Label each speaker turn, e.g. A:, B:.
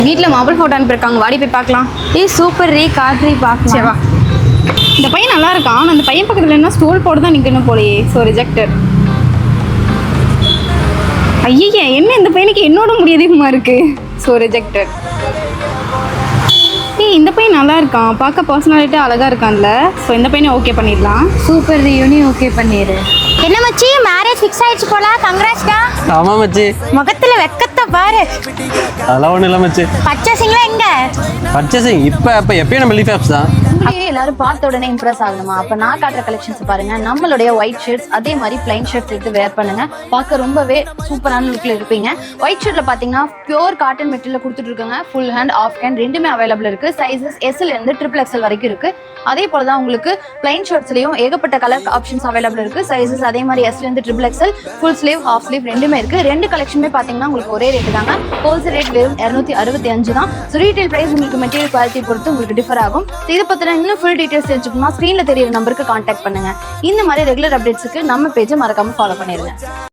A: வீட்டில் maple photo அனுப்பியிருக்காங்க, வாடி போய் பார்க்கலாம்.
B: ஏய் சூப்பர் ரீ காட்ரி பார்க்கலாம்.
A: சரி வா. இந்த பையன் நல்லா இருக்கான், ஆனால் அந்த பையன் பக்கத்தில் என்ன ஸ்டோல் போட்டு தான் நிற்கணும் போலையே. So rejected. ஐயே, என்ன இந்த பையனுக்கு என்னோட முடி அதிகமாக இருக்குது. So rejected. ஏய் இந்த பையன் நல்லா இருக்கான், பார்க்க பர்சனாலிட்டி அழகாக இருக்கான்ல. ஸோ இந்த பையனை ஓகே பண்ணிடலாம்.
B: சூப்பர் ரீ ஓகே பண்ணிடு. என்ன மச்சி மேரேஜ் ஃபிக்ஸ் ஆயிடுச்சு போல, கங்க்ராட்ஸ்டா.
C: ஆமா மச்சி.
B: முகத்துல வெக்கத்தை பாரு.
C: அதெல்லாம் ஒன்றும் இல்லை மச்சி.
B: பர்ச்சேசிங்லாம் எங்க?
C: பர்ச்சேசிங் இப்போ எப்பயும் நம்ம லீஃப் ஆப்ஸ் தான்.
D: எல்லாரும் பார்த்த உடனே இம்ப்ரெஸ் ஆகணுமா? அப்ப நான் காட்டுற கலெக்ஷன்ஸ் பாருங்க. நம்மளுடைய ஒயிட் ஷர்ட்ஸ் அதே மாதிரி பிளைன் ஷர்ட்ஸ் எடுத்து வேர் பண்ணுங்க, பார்க்க ரொம்பவே சூப்பரான லுக்ல இருப்பீங்க. ஒயிட் ஷர்ட்ல பாத்தீங்கன்னா பியூர் காட்டன் மெட்டீரியல் கொடுத்துட்டு இருக்காங்க. ஃபுல் ஹேண்ட் ஆஃப் ஹேண்ட் ரெண்டுமே அவைலபிள் இருக்கு. சைஸஸ் எஸ்ல இருந்து XXL வரைக்கும் இருக்கு. அதே போலதான் உங்களுக்கு பிளைன் ஷர்ட்ஸ்லயும் ஏகப்பட்ட கலர் ஆப்ஷன்ஸ் அவைலபிள் இருக்கு. சைஸஸ் அதே மாதிரி எஸ்ல இருந்து XXL, full sleeve, half sleeve ரெண்டுமே இருக்கு. ரெண்டு கலெக்ஷனுமே பாத்தீங்கன்னா உங்களுக்கு ஒரே ரேட் தாங்க. ஹோல்சேல் ரேட் வெறும் 265 தான். ரீட்டைல் பிரைஸ் உங்களுக்கு மெட்டீரியல் குவாலிட்டி பொறுத்து உங்களுக்கு டிஃபர் ஆகும். இதை பத்தின இன்னும் ஃபுல் டீடைல்ஸ் தெரிஞ்சுக்கணும்னா ஸ்க்ரீன்ல தெரியுற நம்பருக்கு கான்டாக்ட் பண்ணுங்க. இந்த மாதிரி ரெகுலர் அப்டேட்ஸ்க்கு நம்ம பேஜை மறக்காம ஃபாலோ பண்ணிருங்க.